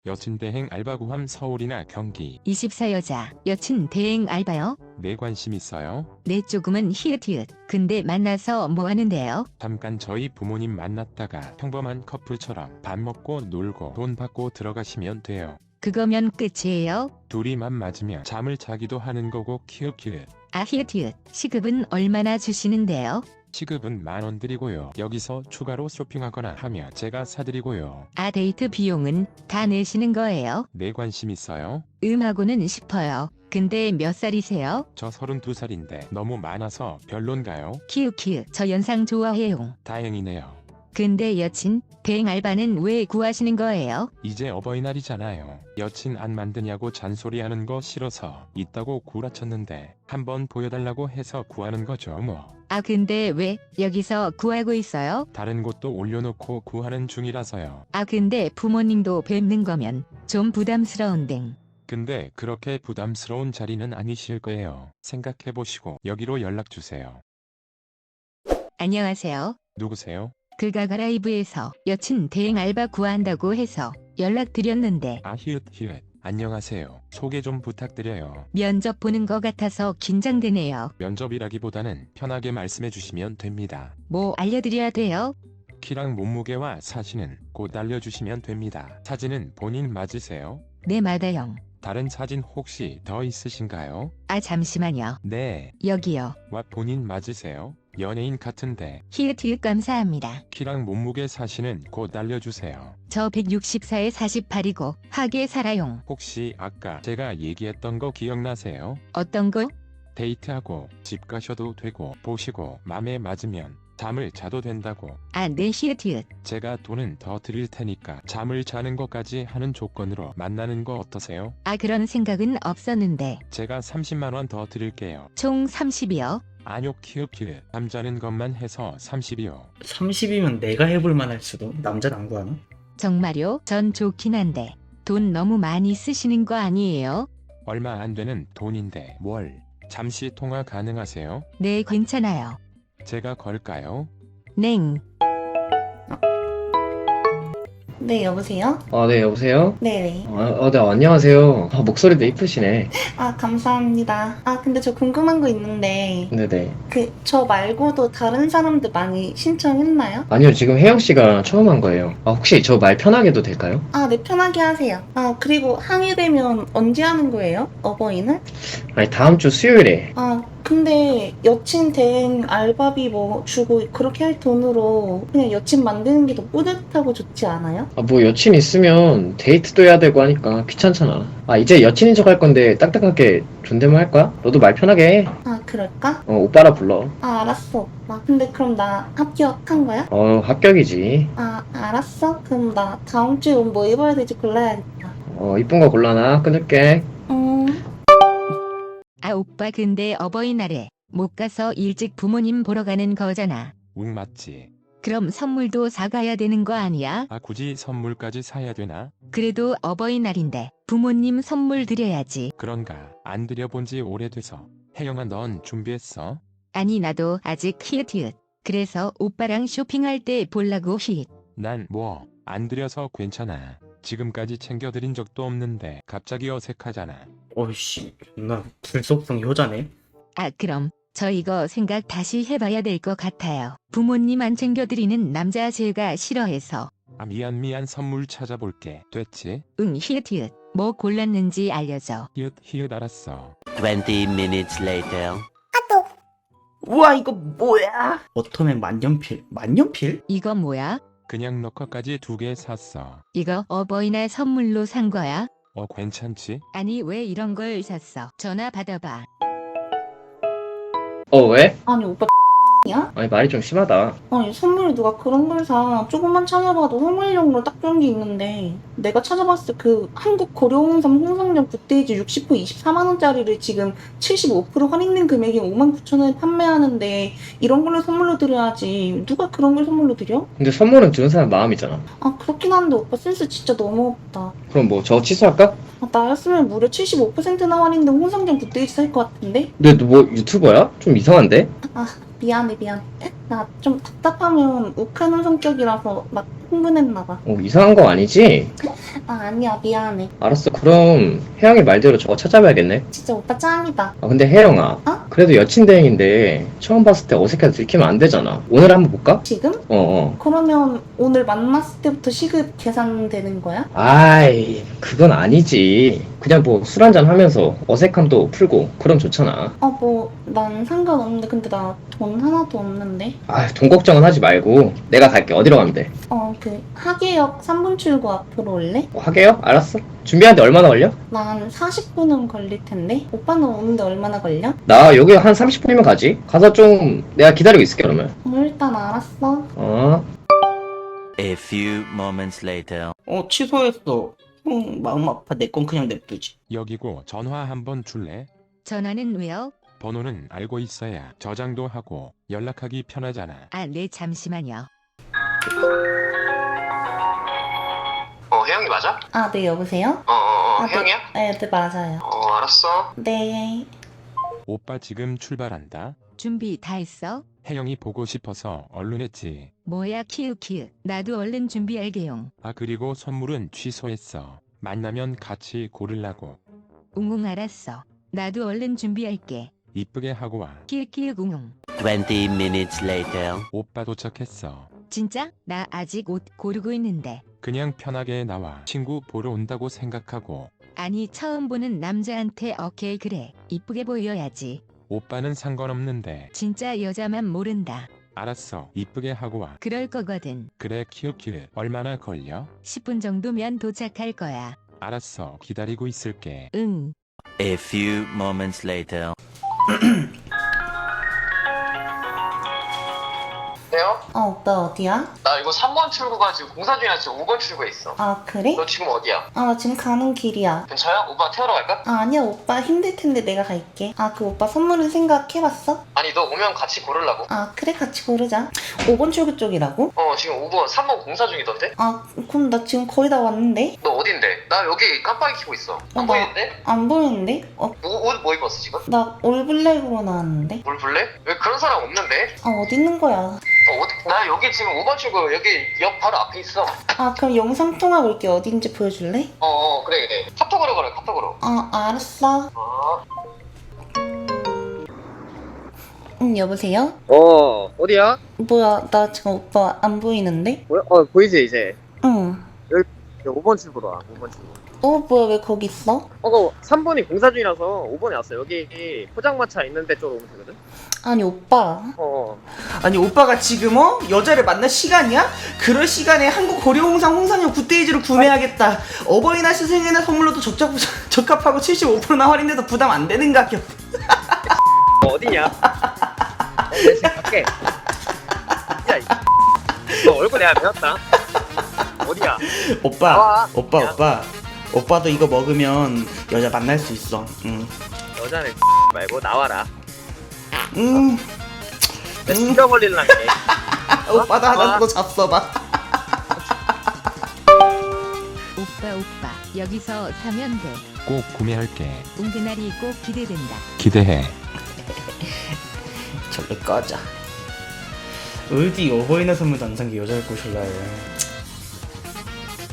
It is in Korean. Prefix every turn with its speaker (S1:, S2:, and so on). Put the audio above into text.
S1: 여친 대행 알바 구함 서울이나 경기.
S2: 24 여자, 여친 대행 알바요?
S1: 네 관심 있어요?
S2: 네 조금은 히읗히읗. 근데 만나서 뭐 하는데요?
S1: 잠깐 저희 부모님 만났다가 평범한 커플처럼 밥 먹고 놀고 돈 받고 들어가시면 돼요.
S2: 그거면 끝이에요?
S1: 둘이 맘 맞으면 잠을 자기도 하는 거고 키읔키읔.
S2: 아 히읗히읗. 시급은 얼마나 주시는데요?
S1: 시급은 10,000원 드리고요. 여기서 추가로 쇼핑하거나 하면 제가 사드리고요.
S2: 아 데이트 비용은 다 내시는 거예요?
S1: 네 관심 있어요?
S2: 하고는 싶어요. 근데 몇 살이세요?
S1: 저 32살인데 너무 많아서 별론가요?
S2: 키읔키읔. 저 연상 좋아해요.
S1: 다행이네요.
S2: 근데 여친, 대행 알바는 왜 구하시는 거예요?
S1: 이제 어버이날이잖아요. 여친 안 만드냐고 잔소리하는 거 싫어서 있다고 구라쳤는데 한번 보여달라고 해서 구하는 거죠 뭐.
S2: 아 근데 왜 여기서 구하고 있어요?
S1: 다른 곳도 올려놓고 구하는 중이라서요.
S2: 아 근데 부모님도 뵙는 거면 좀 부담스러운댕.
S1: 근데 그렇게 부담스러운 자리는 아니실 거예요. 생각해보시고 여기로 연락주세요.
S2: 안녕하세요.
S1: 누구세요?
S2: 그가 라이브에서 여친 대행 알바 구한다고 해서 연락드렸는데
S1: 아 히읗히읗. 안녕하세요. 소개 좀 부탁드려요.
S2: 면접 보는 거 같아서 긴장되네요.
S1: 면접이라기보다는 편하게 말씀해 주시면 됩니다.
S2: 뭐 알려드려야 돼요?
S1: 키랑 몸무게와 사진은 곧 알려주시면 됩니다. 사진은 본인 맞으세요?
S2: 네 맞아요.
S1: 다른 사진 혹시 더 있으신가요?
S2: 아 잠시만요.
S1: 네.
S2: 여기요.
S1: 와 본인 맞으세요? 연예인 같은데.
S2: 히읗히읗 감사합니다.
S1: 키랑 몸무게 사진은 곧 알려주세요.
S2: 저 164에 48이고 하게 살아용.
S1: 혹시 아까 제가 얘기했던 거 기억나세요?
S2: 어떤 거?
S1: 데이트하고 집 가셔도 되고 보시고 맘에 맞으면 잠을 자도 된다고.
S2: 아 네 히읗히읗.
S1: 제가 돈은 더 드릴 테니까 잠을 자는 것까지 하는 조건으로 만나는 거 어떠세요?
S2: 아 그런 생각은 없었는데
S1: 제가 30만 원 더 드릴게요.
S2: 총 30이요?
S1: 아뇨 키읔키읔. 잠자는 것만 해서 30이요.
S3: 30이면 내가 해볼 만할 수도. 남자는 안 구하나?
S2: 정말요? 전 좋긴 한데 돈 너무 많이 쓰시는 거 아니에요?
S1: 얼마 안 되는 돈인데 뭘. 잠시 통화 가능하세요?
S2: 네 괜찮아요.
S1: 제가 걸까요?
S2: 냉.
S4: 네, 여보세요?
S5: 네, 여보세요?
S4: 네네.
S5: 네, 안녕하세요. 목소리도 이쁘시네.
S4: 아, 감사합니다. 아, 근데 저 궁금한 거 있는데,
S5: 네네.
S4: 저 말고도 다른 사람들 많이 신청했나요?
S5: 아니요, 지금 혜영씨가 처음 한 거예요. 혹시 저 말 편하게 해도 될까요?
S4: 아, 네, 편하게 하세요. 아, 그리고 항의되면 언제 하는 거예요? 어버이날?
S5: 아니, 다음 주 수요일에.
S4: 아, 근데 여친 대행 알바비 뭐 주고 그렇게 할 돈으로 그냥 여친 만드는 게 더 뿌듯하고 좋지 않아요?
S5: 뭐 여친 있으면 데이트도 해야 되고 하니까 귀찮잖아. 이제 여친인 척 할 건데 딱딱하게 존댓말 할 거야? 너도 말 편하게 해.
S4: 아, 그럴까?
S5: 오빠라 불러.
S4: 아, 알았어, 오빠. 근데 그럼 나 합격한 거야?
S5: 합격이지.
S4: 아, 알았어? 그럼 나 다음 주에 옷 뭐 입어야 될지 골라야겠다.
S5: 이쁜 거 골라놔. 끊을게.
S2: 아 오빠 근데 어버이날에 못 가서 일찍 부모님 보러 가는 거잖아.
S1: 응 맞지.
S2: 그럼 선물도 사가야 되는 거 아니야?
S1: 아 굳이 선물까지 사야 되나?
S2: 그래도 어버이날인데 부모님 선물 드려야지.
S1: 그런가. 안 드려본 지 오래돼서. 혜영아 넌 준비했어?
S2: 아니 나도 아직 히읗히읗. 그래서 오빠랑 쇼핑할 때 볼라고 히읗.
S1: 난 뭐 안 드려서 괜찮아. 지금까지 챙겨드린 적도 없는데 갑자기 어색하잖아.
S3: 어이씨, 존나 불속성 효자네.
S2: 아 그럼 저 이거 생각 다시 해봐야 될 것 같아요. 부모님 안 챙겨드리는 남자 제가 싫어해서.
S1: 아 미안 선물 찾아볼게. 됐지?
S2: 응 히읗히읗. 뭐 골랐는지 알려줘.
S1: 히읗 알았어.
S6: 20 minutes later.
S3: 우와, 이거 뭐야? 워터맨 만년필. 만년필?
S2: 이거 뭐야?
S1: 그냥 너커까지 2개 샀어.
S2: 이거 어버이날 선물로 산 거야?
S1: 괜찮지?
S2: 아니 왜 이런 걸 샀어? 전화 받아봐.
S5: 왜?
S4: 아니, 오빠 야?
S5: 아니, 말이 좀 심하다.
S4: 아니, 선물을 누가 그런 걸 사. 조금만 찾아봐도 선물용으로 딱 좋은 게 있는데 내가 찾아봤을 때 그 한국 고려홍삼 홍상정 굿데이즈 60호 24만원짜리를 지금 75% 할인된 금액이 59,000원에 판매하는데 이런 걸로 선물로 드려야지. 누가 그런 걸 선물로 드려?
S5: 근데 선물은 주는 사람 마음이잖아.
S4: 아, 그렇긴 한데 오빠 센스 진짜 너무 없다.
S5: 그럼 뭐 저거 취소할까?
S4: 아, 나였으면 무려 75%나 할인된 홍상정 굿데이즈 살 것 같은데?
S5: 근데 너 뭐 유튜버야? 좀 이상한데?
S4: 아, 미안해. 나 좀 답답하면 욱하는 성격이라서 막 흥분했나봐.
S5: 이상한 거 아니지?
S4: 아, 아니야, 미안해.
S5: 알았어. 그럼 혜영이 말대로 저거 찾아봐야겠네.
S4: 진짜 오빠 짱이다.
S5: 근데 혜영아.
S4: 어?
S5: 그래도 여친 대행인데 처음 봤을 때 어색해서 들키면 안 되잖아. 오늘 한번 볼까?
S4: 지금?
S5: 어.
S4: 그러면 오늘 만났을 때부터 시급 계산되는 거야?
S5: 아이, 그건 아니지. 그냥 뭐 술 한잔 하면서 어색함도 풀고 그럼 좋잖아.
S4: 난 상관없는데 근데 나 돈 하나도 없는데.
S5: 돈 걱정은 하지 말고 내가 갈게. 어디로 가면 돼?
S4: 하계역 3분 출구 앞으로 올래?
S5: 하게요? 알았어. 준비하는데 얼마나 걸려?
S4: 난 40분은 걸릴 텐데. 오빠는 오는데 얼마나 걸려?
S5: 나 여기 한 30분이면 가지. 가서 좀 내가 기다리고 있을게 그러면.
S4: 일단 알았어.
S6: A few moments later.
S3: 취소했어. 마음 아파. 내 건 그냥 냅두지.
S1: 여기고 전화 한번 줄래?
S2: 전화는 왜요?
S1: 번호는 알고 있어야 저장도 하고 연락하기 편하잖아.
S2: 아, 네, 잠시만요.
S5: 혜영이 맞아?
S4: 아, 네, 여보세요?
S5: 혜영이야?
S4: 네, 맞아요.
S5: 알았어.
S4: 네.
S1: 오빠 지금 출발한다.
S2: 준비 다 했어?
S1: 혜영이 보고 싶어서 얼른 했지.
S2: 뭐야, 키읔키읔. 나도 얼른 준비할게용.
S1: 그리고 선물은 취소했어. 만나면 같이 고르려고.
S2: 웅웅 알았어. 나도 얼른 준비할게.
S1: 이쁘게 하고 와.
S2: 키읔키읔 웅웅.
S6: 20 minutes later.
S1: 오빠 도착했어.
S2: 진짜? 나 아직 옷 고르고 있는데.
S1: 그냥 편하게 나와. 친구 보러 온다고 생각하고.
S2: 아니, 처음 보는 남자한테 오케이 그래. 이쁘게 보여야지.
S1: 오빠는 상관없는데.
S2: 진짜 여자만 모른다.
S1: 알았어. 이쁘게 하고 와.
S2: 그럴 거거든.
S1: 그래 키읔키읔. 얼마나 걸려?
S2: 10분 정도면 도착할 거야.
S1: 알았어. 기다리고 있을게.
S2: 응.
S6: A few moments later.
S5: 혜영?
S4: 오빠 어디야?
S5: 나 이거 3번 출구가 지금 공사 중이라 지금 5번 출구에 있어.
S4: 아, 그래?
S5: 너 지금 어디야?
S4: 나 지금 가는 길이야.
S5: 괜찮아? 오빠 태우러 갈까?
S4: 아니야, 오빠 힘들 텐데 내가 갈게. 그 오빠 선물은 생각해봤어?
S5: 아니 너 오면 같이 고르려고.
S4: 그래, 같이 고르자. 5번 출구 쪽이라고?
S5: 지금 5번, 3번 공사 중이던데?
S4: 그럼 나 지금 거의 다 왔는데?
S5: 너 어딘데? 나 여기 깜빡이 켜고 있어. 안
S4: 나-
S5: 보이는데?
S4: 안 보이는데?
S5: 옷 뭐 입었어 지금?
S4: 나 올블랙으로 나왔는데?
S5: 뭘 볼래? 왜 그런 사람 없는데?
S4: 어디 있는 거야?
S5: 나 여기 지금 5번 출구 여기 역 바로 앞에 있어.
S4: 그럼 영상통화 볼게. 어딘지 보여줄래?
S5: 그래. 카톡으로 걸어, 카톡으로.
S4: 알았어. 여보세요?
S5: 어디야?
S4: 뭐야, 나 지금 오빠 안 보이는데?
S5: 보이지 이제.
S4: 응.
S5: 5번 출구로 와, 5번 출구.
S4: 뭐야, 왜 거기 있어?
S5: 3번이 공사 중이라서 5번에 왔어. 여기 포장마차 있는데 쪽으로 오면 되거든?
S4: 아니, 오빠.
S3: 아니 오빠가 지금 여자를 만날 시간이야? 그럴 시간에 한국 고려홍삼 홍삼육 굿데이지를 구매하겠다. 어버이날 스승의날 선물로도 적합하고 75%나 할인돼서 부담 안 되는 가격.
S5: 어디냐? 내 지금 갈게. 야, 너 얼굴 내가 배웠다. 어디야?
S3: 오빠, 오빠도 이거 먹으면 여자 만날 수 있어.
S5: 여자는 말고 나와라.
S3: 응.
S5: 내 죽여버릴란 게.
S3: 오빠도 하나 더 잡숴봐.
S2: 오빠, 여기서 사면 돼.
S1: 꼭 구매할게.
S2: 웅그날이 꼭 기대된다.
S1: 기대해.
S3: 절로 꺼져. 어디 어버이날 선물도 안 산 게 여자를 꼬실라 해.